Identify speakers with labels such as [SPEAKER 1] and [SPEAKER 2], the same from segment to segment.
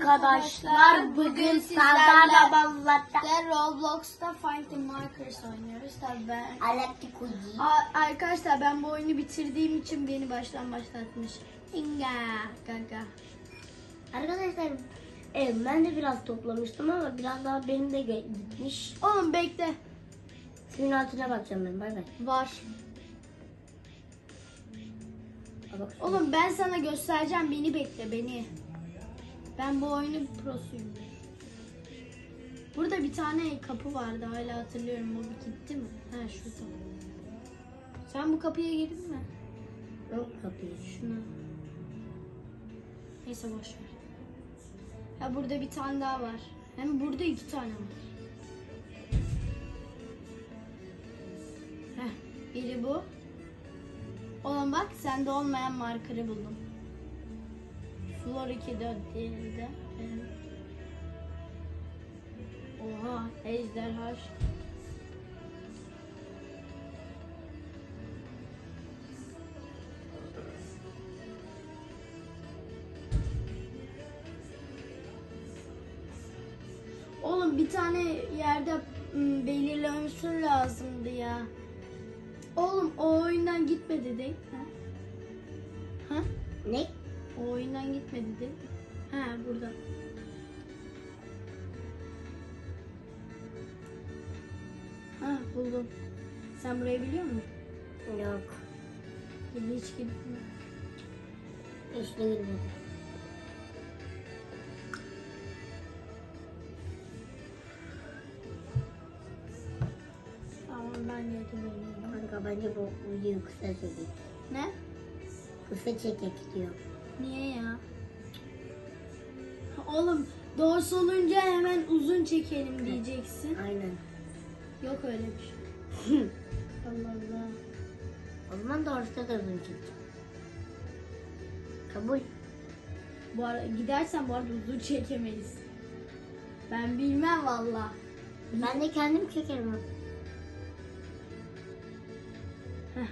[SPEAKER 1] arkadaşlar. Bugün sizlerle
[SPEAKER 2] Roblox'ta Find the Markers oynuyoruz. Tabii ben.
[SPEAKER 1] Alaktikudi.
[SPEAKER 2] Arkadaşlar ben bu oyunu bitirdiğim için beni baştan başlatmış. İnga gaga.
[SPEAKER 1] Arkadaşlar ben de biraz toplamıştım ama biraz daha benim de gitmiş.
[SPEAKER 2] Oğlum bekle.
[SPEAKER 1] Suyun altına bakacağım ben. Bay bay.
[SPEAKER 2] Var. Oğlum ben sana göstereceğim. Beni bekle beni. Ben bu oyunun prosuyum. Burada bir tane kapı vardı. Hala hatırlıyorum. O bir gitti mi? Ha şurada. Sen bu kapıya girdin mi?
[SPEAKER 1] Yok kapıyı.
[SPEAKER 2] Şuna. Neyse boş ver. Ya burada bir tane daha var. Hem burada 2 tane var. Heh, biri bu. Oğlum bak sende olmayan markerı buldum. Floor 2'de diğerinde. Oha ejderha. Oğlum bir tane yerde belirlemesi lazımdı ya. Oğlum o oyundan gitmedi değil mi? Ha?
[SPEAKER 1] Ne?
[SPEAKER 2] O oyundan gitmedi değil mi? Ha burada. Ha buldum. Sen burayı biliyor musun?
[SPEAKER 1] Yok.
[SPEAKER 2] Hiç gitme.
[SPEAKER 1] Hiç değildim.
[SPEAKER 2] Tamam ben yedim öyle.
[SPEAKER 1] Kanka bence bu videoyu kısa çekek.
[SPEAKER 2] Ne?
[SPEAKER 1] Kısa çekek diyor.
[SPEAKER 2] Niye ya? Oğlum doğrusu olunca hemen uzun çekelim diyeceksin.
[SPEAKER 1] Aynen.
[SPEAKER 2] Yok öyle bir şey. Allah Allah.
[SPEAKER 1] O zaman doğrusu da uzun çekecek. Kabul.
[SPEAKER 2] Bu ara, gidersen bu arada uzun çekemeyiz. Ben bilmem valla.
[SPEAKER 1] Ben de kendim çekerim.
[SPEAKER 2] Heh.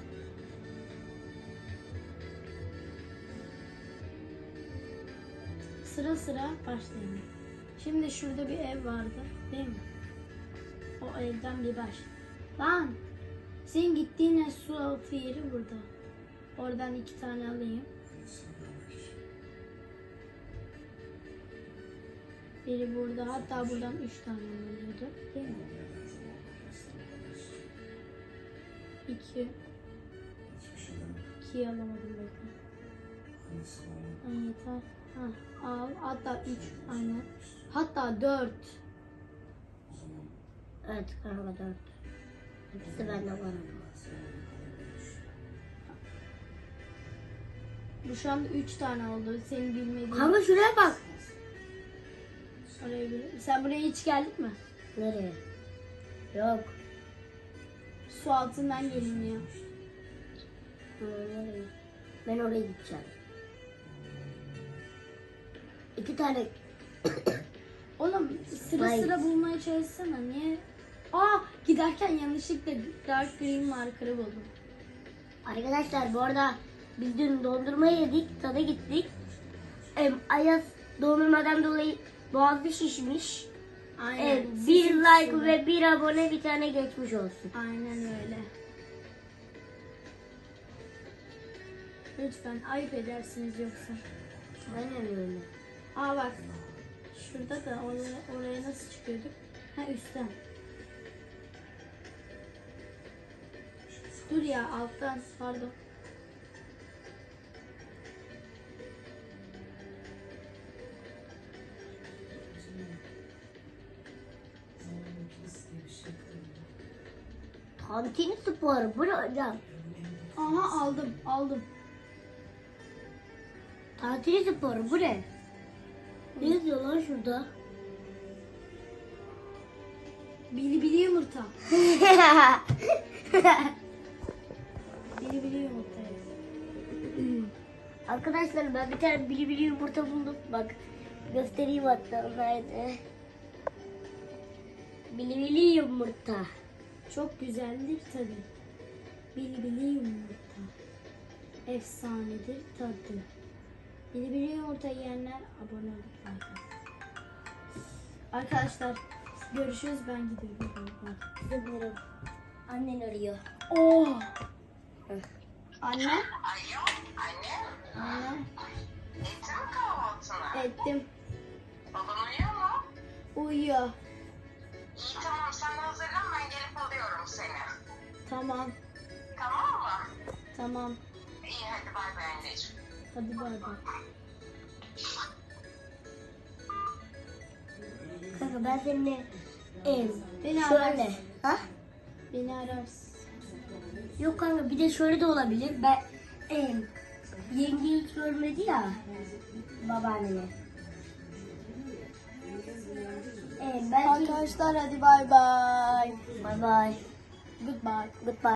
[SPEAKER 2] Sıra sıra başlayalım. Şimdi şurada bir ev vardı değil mi? O evden bir baş. Lan senin gittiğin su altı yeri burada. Oradan 2 tane alayım. Biri burada, hatta buradan 3 tane alıyordu değil mi? 2 2'yi alamadım bekle. Ay yeter. Ha, al. Hatta 3 aynen. Hatta 4.
[SPEAKER 1] Evet kanka 4. İkisi bende var ama.
[SPEAKER 2] Bu şu anda 3 tane oldu. Senin bilmediğin.
[SPEAKER 1] Kanka şuraya bak.
[SPEAKER 2] Oraya bir... Sen buraya hiç geldik mi?
[SPEAKER 1] Nereye? Yok.
[SPEAKER 2] Su altından geliniyor.
[SPEAKER 1] Nereye? Ben oraya gideceğim. 2 tane.
[SPEAKER 2] Oğlum sıra
[SPEAKER 1] Hayır.
[SPEAKER 2] sıra bulmaya çalışsana. Niye? Aa giderken yanlışlıkla dark green marker'ı buldum.
[SPEAKER 1] Arkadaşlar bu arada biz dün dondurma yedik. Tada gittik. Ayaz dondurmadan dolayı boğazı şişmiş.
[SPEAKER 2] Aynen.
[SPEAKER 1] Bir
[SPEAKER 2] Sesim
[SPEAKER 1] like
[SPEAKER 2] kısıldı.
[SPEAKER 1] ve bir abone bir tane geçmiş olsun.
[SPEAKER 2] Aynen öyle. Lütfen ayıp edersiniz yoksa.
[SPEAKER 1] Aynen öyle.
[SPEAKER 2] Aa bak. Şurada da oraya nasıl çıkıyorduk? Ha üstten. Dur ya alttan pardon.
[SPEAKER 1] Tantini sporu bu ne hocam?
[SPEAKER 2] Aha aldım.
[SPEAKER 1] Tantini sporu bu ne? Ne yazıyor lan şurada?
[SPEAKER 2] Bili yumurta. Bili yumurta.
[SPEAKER 1] Arkadaşlar ben bir tane bili yumurta buldum. Bak göstereyim hatta. Nerede? Bili yumurta.
[SPEAKER 2] Çok güzeldir tadı. Bili yumurta. Efsanedir tadı. Biri yumurta yiyenler abone olup like atın. Arkadaşlar görüşürüz, ben gidiyorum.
[SPEAKER 1] Gidiyorum. Annen arıyor.
[SPEAKER 2] Oh. Anne.
[SPEAKER 3] Alo, anne.
[SPEAKER 2] Anne.
[SPEAKER 3] Ettin mi kahvaltını?
[SPEAKER 2] Ettim.
[SPEAKER 3] Baban uyuyor mu?
[SPEAKER 2] Uyuyor.
[SPEAKER 3] İyi tamam, sen hazırlan, ben gelip alıyorum seni.
[SPEAKER 2] Tamam.
[SPEAKER 3] Tamam mı?
[SPEAKER 2] Tamam.
[SPEAKER 3] İyi hadi bay bay anneciğim.
[SPEAKER 2] Hadi bay bay.
[SPEAKER 1] Kanka ben seninle
[SPEAKER 2] Beni
[SPEAKER 1] şöyle.
[SPEAKER 2] ararsın.
[SPEAKER 1] Ha?
[SPEAKER 2] Beni ararsın.
[SPEAKER 1] Yok kanka bir de şöyle de olabilir. Ben yenge hiç görmedi ya babaannemi. Belki
[SPEAKER 2] Arkadaşlar hadi bay bay.
[SPEAKER 1] bye bye.
[SPEAKER 2] Goodbye.
[SPEAKER 1] Goodbye.